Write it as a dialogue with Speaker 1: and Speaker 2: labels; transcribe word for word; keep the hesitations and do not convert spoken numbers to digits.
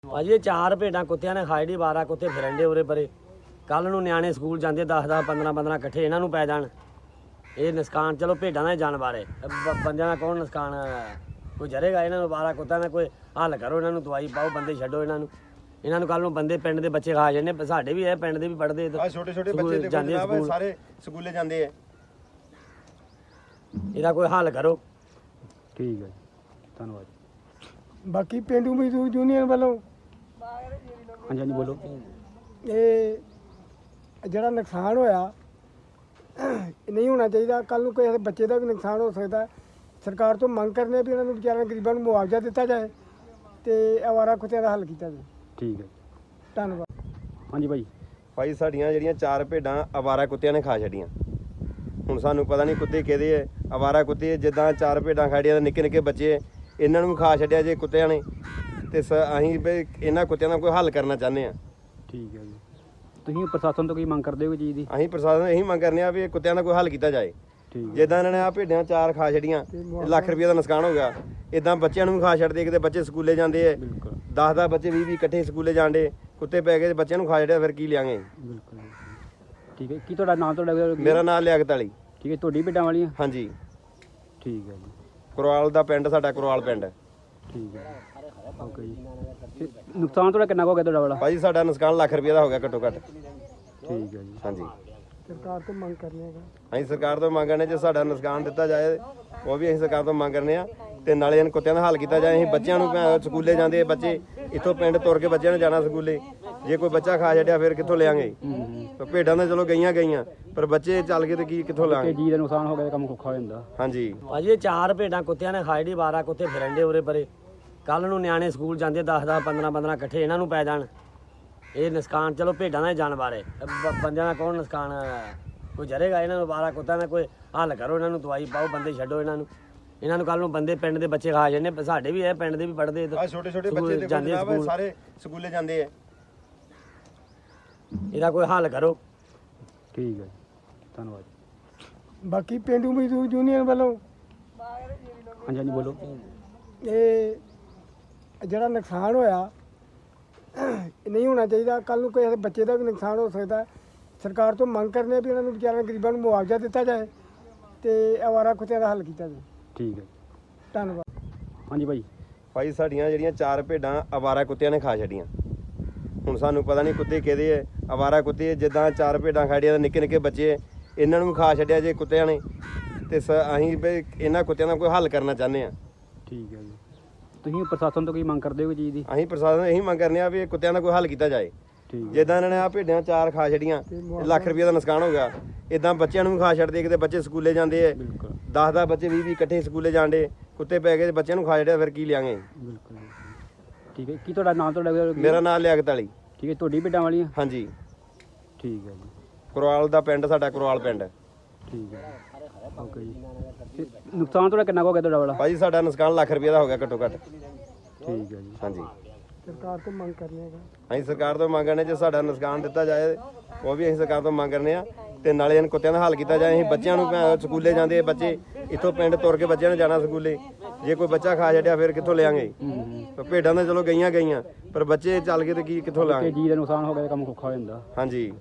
Speaker 1: ਭਾਜੀ ਇਹ ਚਾਰ ਭੇਡਾਂ ਕੁੱਤਿਆਂ ਨੇ ਖਾਈ ਡੀ ਬਾਰਾਂ ਕੁੱਤੇ ਫਿਰੰਡੇ ਉਰੇ ਪਰੇ। ਕੱਲ ਨੂੰ ਨਿਆਣੇ ਸਕੂਲ ਜਾਂਦੇ ਦਸ ਦਸ ਪੰਦਰਾਂ ਪੰਦਰਾਂ ਇਕੱਠੇ ਇਹਨਾਂ ਨੂੰ ਪੈ ਜਾਣ। ਇਹ ਨੁਕਸਾਨ ਚਲੋ ਭੇਡਾਂ ਦਾ ਜਾਨਵਰ ਹੈ, ਬੰਦਿਆਂ ਦਾ ਕੌਣ ਨੁਕਸਾਨ ਕੋਈ ਜਰੇਗਾ। ਇਹਨਾਂ ਨੂੰ ਬਾਰਾਂ ਕੁੱਤਿਆਂ ਦਾ ਕੋਈ ਹੱਲ ਕਰੋ, ਇਹਨਾਂ ਨੂੰ ਦਵਾਈ ਪਾਓ, ਬੰਦੇ ਛੱਡੋ ਇਹਨਾਂ ਨੂੰ। ਇਹਨਾਂ ਨੂੰ ਕੱਲ ਨੂੰ ਬੰਦੇ ਪਿੰਡ ਦੇ ਬੱਚੇ ਖਾ ਜਾਂਦੇ। ਸਾਡੇ ਵੀ ਇਹ ਪਿੰਡ ਦੇ ਵੀ ਪੜ੍ਹਦੇ
Speaker 2: ਛੋਟੇ ਛੋਟੇ ਬੱਚੇ ਜਾਂਦੇ ਸਾਰੇ ਸਕੂਲੇ ਜਾਂਦੇ ਆ।
Speaker 1: ਇਹਦਾ ਕੋਈ ਹੱਲ ਕਰੋ।
Speaker 3: ਠੀਕ ਹੈ ਜੀ, ਧੰਨਵਾਦ।
Speaker 4: ਬਾਕੀ ਪੇਂਡੂ ਮਜ਼ਦੂਰ ਯੂਨੀਅਨ ਵੱਲੋਂ
Speaker 3: ਹਾਂਜੀ ਹਾਂਜੀ ਬੋਲੋ।
Speaker 4: ਇਹ ਜਿਹੜਾ ਨੁਕਸਾਨ ਹੋਇਆ ਨਹੀਂ ਹੋਣਾ ਚਾਹੀਦਾ। ਕੱਲ ਨੂੰ ਕੋਈ ਬੱਚੇ ਦਾ ਵੀ ਨੁਕਸਾਨ ਹੋ ਸਕਦਾ। ਸਰਕਾਰ ਤੋਂ ਮੰਗ ਕਰਨੇ ਆ ਵੀ ਇਹਨਾਂ ਨੂੰ ਵਿਚਾਰਿਆਂ ਗਰੀਬਾਂ ਨੂੰ ਮੁਆਵਜ਼ਾ ਦਿੱਤਾ ਜਾਏ ਤੇ ਅਵਾਰਾ ਕੁੱਤਿਆਂ ਦਾ ਹੱਲ ਕੀਤਾ ਜਾਏ।
Speaker 3: ਠੀਕ ਹੈ,
Speaker 4: ਧੰਨਵਾਦ।
Speaker 3: ਹਾਂਜੀ ਭਾਈ।
Speaker 2: ਭਾਈ ਸਾਡੀਆਂ ਜਿਹੜੀਆਂ ਚਾਰ ਭੇਡਾਂ ਅਵਾਰਾ ਕੁੱਤਿਆਂ ਨੇ ਖਾ ਛੱਡੀਆਂ। ਹੁਣ ਸਾਨੂੰ ਪਤਾ ਨਹੀਂ ਕੁੱਤੇ ਕਿਹਦੇ ਹੈ, ਅਵਾਰਾ ਕੁੱਤੇ ਜਿੱਦਾਂ ਚਾਰ ਭੇਡਾਂ ਖਾੜੀਆਂ ਦੇ ਨਿੱਕੇ ਨਿੱਕੇ ਬੱਚੇ ਇਹਨਾਂ ਨੂੰ ਵੀ ਖਾ ਛੱਡਿਆ ਜੇ ਕੁੱਤਿਆਂ ਨੇ। ਤੇ ਸ ਅਸੀਂ ਵੀ ਇਹਨਾਂ ਕੁੱਤਿਆਂ ਦਾ ਕੋਈ ਹੱਲ ਕਰਨਾ ਚਾਹੁੰਦੇ ਹਾਂ।
Speaker 3: ਠੀਕ ਹੈ ਜੀ, ਤੁਸੀਂ ਪ੍ਰਸ਼ਾਸਨ ਤੋਂ ਕੀ ਮੰਗ ਕਰਦੇ ਹੋ ਚੀਜ਼ ਦੀ?
Speaker 2: ਅਸੀਂ ਪ੍ਰਸ਼ਾਸਨ ਇਹੀ ਮੰਗ ਕਰਨੇ ਆ ਵੀ ਇਹ ਕੁੱਤਿਆਂ ਦਾ ਕੋਈ ਹੱਲ ਕੀਤਾ ਜਾਏ।
Speaker 3: ਠੀਕ
Speaker 2: ਜਿੱਦਾਂ ਇਹਨਾਂ ਨੇ ਆ ਭੇਡਾਂ ਚਾਰ ਖਾ ਛੱਡੀਆਂ, ਲੱਖ ਰੁਪਏ ਦਾ ਨੁਕਸਾਨ ਹੋ ਗਿਆ। ਇਦਾਂ ਬੱਚਿਆਂ ਨੂੰ ਵੀ ਖਾ ਛੱਡਦੇ, ਕਿਤੇ ਬੱਚੇ ਸਕੂਲੇ ਜਾਂਦੇ ਆ,
Speaker 3: ਬਿਲਕੁਲ
Speaker 2: ਦਸ ਦਸ ਬੱਚੇ ਵੀਹ ਵੀਹ ਇਕੱਠੇ ਸਕੂਲੇ ਜਾਂਦੇ, ਕੁੱਤੇ ਪੈ ਗਏ ਬੱਚਿਆਂ ਨੂੰ ਖਾ ਛੱਡਿਆ, ਫਿਰ ਕੀ ਲਿਆਂਗੇ।
Speaker 3: ਬਿਲਕੁਲ ਠੀਕ ਹੈ। ਕੀ ਤੁਹਾਡਾ ਨਾਮ? ਤੁਹਾਡਾ
Speaker 2: ਮੇਰਾ ਨਾਮ ਲਿਆਕਤ ਅਲੀ।
Speaker 3: ਠੀਕ ਹੈ, ਤੁਹਾਡੀ ਭੇਡਾਂ ਵਾਲੀਆਂ?
Speaker 2: ਹਾਂਜੀ,
Speaker 3: ਠੀਕ ਹੈ ਜੀ।
Speaker 2: ਕੁਰਵਾਲ ਦਾ ਪਿੰਡ ਸਾਡਾ, ਕੁਰਵਾਲ ਪਿੰਡ।
Speaker 3: ਠੀਕ ਹੈ, ਓਕੇ ਜੀ। ਤੇ ਨੁਕਸਾਨ ਤੁਹਾਡਾ ਕਿੰਨਾ ਕੁ ਹੋ ਗਿਆ ਤੁਹਾਡਾ ਵਾਲਾ?
Speaker 2: ਭਾਜੀ ਸਾਡਾ ਨੁਕਸਾਨ ਲੱਖ ਰੁਪਏ ਦਾ ਹੋ ਗਿਆ ਘੱਟੋ ਘੱਟ।
Speaker 3: ਠੀਕ ਹੈ ਜੀ,
Speaker 2: ਹਾਂਜੀ,
Speaker 4: ਸਰਕਾਰ ਤੋਂ ਮੰਗ ਕਰਨੇ ਆ।
Speaker 2: ਅਸੀਂ ਸਰਕਾਰ ਤੋਂ ਮੰਗ ਕਰਨੇ ਜੇ ਸਾਡਾ ਨੁਕਸਾਨ ਦਿੱਤਾ ਜਾਏ, ਉਹ ਵੀ ਅਸੀਂ ਸਰਕਾਰ ਤੋਂ ਮੰਗ ਕਰਨੇ ਆ। ਤੇ ਨਾਲੇ ਇਹਨਾਂ ਕੁੱਤਿਆਂ ਦਾ ਹੱਲ ਕੀਤਾ ਜਾਏ। ਅਸੀਂ ਬੱਚਿਆਂ ਨੂੰ ਸਕੂਲੇ ਜਾਂਦੇ ਬੱਚੇ, ਇੱਥੋਂ ਪਿੰਡ ਤੁਰ ਕੇ ਬੱਚਿਆਂ ਨੇ ਜਾਣਾ ਸਕੂਲੇ। ਜੇ ਕੋਈ ਬੱਚਾ ਖਾ ਛੱਡਿਆ ਫਿਰ ਕਿੱਥੋਂ ਲਿਆਂਗੇ। ਭੇਡਾਂ ਤਾਂ ਚਲੋ ਗਈਆਂ ਗਈਆਂ, ਪਰ ਬੱਚੇ ਚੱਲ ਕੇ ਤੇ ਕੀ ਕਿੱਥੋਂ ਲਾਂਗੇ।
Speaker 3: ਜੀ ਦਾ ਨੁਕਸਾਨ ਹੋ ਗਿਆ ਤਾਂ ਕੰਮ ਔਖਾ ਹੋ ਜਾਂਦਾ।
Speaker 2: ਹਾਂਜੀ
Speaker 1: ਭਾਜੀ ਇਹ ਚਾਰ ਭੇਡਾਂ ਕੁੱਤਿਆਂ ਨੇ ਖਾਈ ਡੀ ਬਾਰਾਂ ਕੁੱਤੇ ਫਿਰੰਡੇ ਉਰੇ ਪਰੇ। ਕੱਲ ਨੂੰ ਨਿਆਣੇ ਸਕੂਲ ਜਾਂਦੇ ਦਸ ਦਸ ਪੰਦਰਾਂ ਪੰਦਰਾਂ ਇਕੱਠੇ ਇਹਨਾਂ ਨੂੰ ਪੈ ਜਾਣ। ਇਹ ਨੁਕਸਾਨ ਚਲੋ ਭੇਡਾਂ ਦਾ ਜਾਨਵਰ ਹੈ, ਬੰਦਿਆਂ ਦਾ ਕੌਣ ਨੁਕਸਾਨ ਕੋਈ ਜਰੇਗਾ। ਇਹਨਾਂ ਨੂੰ ਬਾਰਾਂ ਕੁੱਤਿਆਂ ਦਾ ਕੋਈ ਹੱਲ ਕਰੋ, ਇਹਨਾਂ ਨੂੰ ਦਵਾਈ ਪਾਓ, ਬੰਦੇ ਛੱਡੋ ਇਹਨਾਂ ਨੂੰ। ਇਹਨਾਂ ਨੂੰ ਕੱਲ ਨੂੰ ਬੰਦੇ ਪਿੰਡ ਦੇ ਬੱਚੇ ਖਾ ਜਾਂਦੇ। ਸਾਡੇ ਵੀ ਇਹ ਪਿੰਡ ਦੇ ਵੀ ਪੜ੍ਹਦੇ
Speaker 2: ਛੋਟੇ ਛੋਟੇ ਬੱਚੇ ਜਾਂਦੇ ਸਾਰੇ ਸਕੂਲੇ ਜਾਂਦੇ ਆ।
Speaker 1: ਇਹਦਾ ਕੋਈ ਹੱਲ ਕਰੋ।
Speaker 3: ਠੀਕ ਹੈ, ਧੰਨਵਾਦ।
Speaker 4: ਬਾਕੀ ਪੇਂਡੂ ਮਜ਼ਦੂਰ ਯੂਨੀਅਨ ਵੱਲੋਂ
Speaker 3: ਹਾਂਜੀ ਹਾਂਜੀ ਬੋਲੋ।
Speaker 4: ਇਹ ਜਿਹੜਾ ਨੁਕਸਾਨ ਹੋਇਆ ਨਹੀਂ ਹੋਣਾ ਚਾਹੀਦਾ। ਕੱਲ ਨੂੰ ਕੋਈ ਬੱਚੇ ਦਾ ਵੀ ਨੁਕਸਾਨ ਹੋ ਸਕਦਾ। ਸਰਕਾਰ ਤੋਂ ਮੰਗ ਕਰਨੇ ਆ ਵੀ ਇਹਨਾਂ ਨੂੰ ਵਿਚਾਰਿਆਂ ਗਰੀਬਾਂ ਨੂੰ ਮੁਆਵਜ਼ਾ ਦਿੱਤਾ ਜਾਏ ਤੇ ਅਵਾਰਾ ਕੁੱਤਿਆਂ ਦਾ ਹੱਲ ਕੀਤਾ ਜਾਏ।
Speaker 3: ਠੀਕ ਹੈ,
Speaker 4: ਧੰਨਵਾਦ।
Speaker 3: ਹਾਂਜੀ ਭਾਈ।
Speaker 2: ਭਾਈ ਸਾਡੀਆਂ ਜਿਹੜੀਆਂ ਚਾਰ ਭੇਡਾਂ ਅਵਾਰਾ ਕੁੱਤਿਆਂ ਨੇ ਖਾ ਛੱਡੀਆਂ। ਹੁਣ ਸਾਨੂੰ ਪਤਾ ਨਹੀਂ ਕੁੱਤੇ ਕਿਹਦੇ ਹੈ, ਅਵਾਰਾ ਕੁੱਤੇ ਜਿੱਦਾਂ ਚਾਰ ਭੇਡਾਂ ਖਾੜੀਆਂ ਦੇ ਨਿੱਕੇ ਨਿੱਕੇ ਬੱਚੇ ਇਹਨਾਂ ਨੂੰ ਵੀ ਖਾ ਛੱਡਿਆ ਜੇ ਕੁੱਤਿਆਂ ਨੇ। ਤੇ ਸ ਅਸੀਂ ਵੀ ਇਹਨਾਂ ਕੁੱਤਿਆਂ ਦਾ ਕੋਈ ਹੱਲ ਕਰਨਾ ਚਾਹੁੰਦੇ ਹਾਂ।
Speaker 3: ਠੀਕ ਹੈ ਜੀ, ਤੁਸੀਂ ਪ੍ਰਸ਼ਾਸਨ ਤੋਂ ਕੀ ਮੰਗ ਕਰਦੇ ਹੋ ਚੀਜ਼ ਦੀ?
Speaker 2: ਅਸੀਂ ਪ੍ਰਸ਼ਾਸਨ ਇਹੀ ਮੰਗ ਕਰਨੇ ਆ ਵੀ ਇਹ ਕੁੱਤਿਆਂ ਦਾ ਕੋਈ ਹੱਲ ਕੀਤਾ ਜਾਏ।
Speaker 3: ਠੀਕ
Speaker 2: ਜਿੱਦਾਂ ਇਹਨਾਂ ਨੇ ਆ ਭੇਡਾਂ ਚਾਰ ਖਾ ਛੱਡੀਆਂ, ਲੱਖ ਰੁਪਏ ਦਾ ਨੁਕਸਾਨ ਹੋ ਗਿਆ। ਇਦਾਂ ਬੱਚਿਆਂ ਨੂੰ ਵੀ ਖਾ ਛੱਡਦੇ, ਕਿਤੇ ਬੱਚੇ ਸਕੂਲੇ ਜਾਂਦੇ ਆ,
Speaker 3: ਬਿਲਕੁਲ
Speaker 2: ਦਸ ਦਸ ਬੱਚੇ ਵੀਹ ਵੀਹ ਇਕੱਠੇ ਸਕੂਲੇ ਜਾਂਦੇ, ਕੁੱਤੇ ਪੈ ਗਏ ਬੱਚਿਆਂ ਨੂੰ ਖਾ ਛੱਡਿਆ, ਫਿਰ ਕੀ ਲਿਆਂਗੇ।
Speaker 3: ਬਿਲਕੁਲ ਠੀਕ ਹੈ। ਕੀ ਤੁਹਾਡਾ ਨਾਮ? ਤੁਹਾਡਾ
Speaker 2: ਮੇਰਾ ਨਾਮ ਲਿਆਕਤ ਅਲੀ।
Speaker 3: ਠੀਕ ਹੈ, ਤੁਹਾਡੀ ਭੇਡਾਂ ਵਾਲੀਆਂ?
Speaker 2: ਹਾਂਜੀ,
Speaker 3: ਠੀਕ ਹੈ ਜੀ।
Speaker 2: ਕੁਰਵਾਲ ਦਾ ਪਿੰਡ ਸਾਡਾ, ਕੁਰਵਾਲ ਪਿੰਡ।
Speaker 3: ਠੀਕ ਹੈ, ਓਕੇ ਜੀ। ਤੇ ਨੁਕਸਾਨ ਤੁਹਾਡਾ ਕਿੰਨਾ ਕੁ ਹੋ ਗਿਆ ਤੁਹਾਡਾ ਵਾਲਾ?
Speaker 2: ਭਾਜੀ ਸਾਡਾ ਨੁਕਸਾਨ ਲੱਖ ਰੁਪਏ ਦਾ ਹੋ ਗਿਆ ਘੱਟੋ ਘੱਟ।
Speaker 3: ਠੀਕ ਹੈ ਜੀ,
Speaker 2: ਹਾਂਜੀ,
Speaker 4: ਸਰਕਾਰ ਤੋਂ ਮੰਗ ਕਰਨੇ ਆ।
Speaker 2: ਅਸੀਂ ਸਰਕਾਰ ਤੋਂ ਮੰਗ ਕਰਨੇ ਜੇ ਸਾਡਾ ਨੁਕਸਾਨ ਦਿੱਤਾ ਜਾਏ, ਉਹ ਵੀ ਅਸੀਂ ਸਰਕਾਰ ਤੋਂ ਮੰਗ ਕਰਨੇ ਆ। ਤੇ ਨਾਲੇ ਇਹਨਾਂ ਕੁੱਤਿਆਂ ਦਾ ਹੱਲ ਕੀਤਾ ਜਾਏ। ਅਸੀਂ ਬੱਚਿਆਂ ਨੂੰ ਸਕੂਲੇ ਜਾਂਦੇ ਬੱਚੇ, ਇੱਥੋਂ ਪਿੰਡ ਤੁਰ ਕੇ ਬੱਚਿਆਂ ਨੇ ਜਾਣਾ ਸਕੂਲੇ। ਜੇ ਕੋਈ ਬੱਚਾ ਖਾ ਛੱਡਿਆ ਫਿਰ ਕਿੱਥੋਂ ਲਿਆਂਗੇ। ਭੇਡਾਂ ਤਾਂ ਚਲੋ ਗਈਆਂ ਗਈਆਂ, ਪਰ ਬੱਚੇ ਚੱਲ ਕੇ ਤੇ ਕੀ ਕਿੱਥੋਂ ਲਾਂਗੇ।
Speaker 3: ਜੀ ਦਾ ਨੁਕਸਾਨ ਹੋ ਗਿਆ ਤਾਂ ਕੰਮ ਔਖਾ ਹੋ ਜਾਂਦਾ।
Speaker 2: ਹਾਂਜੀ।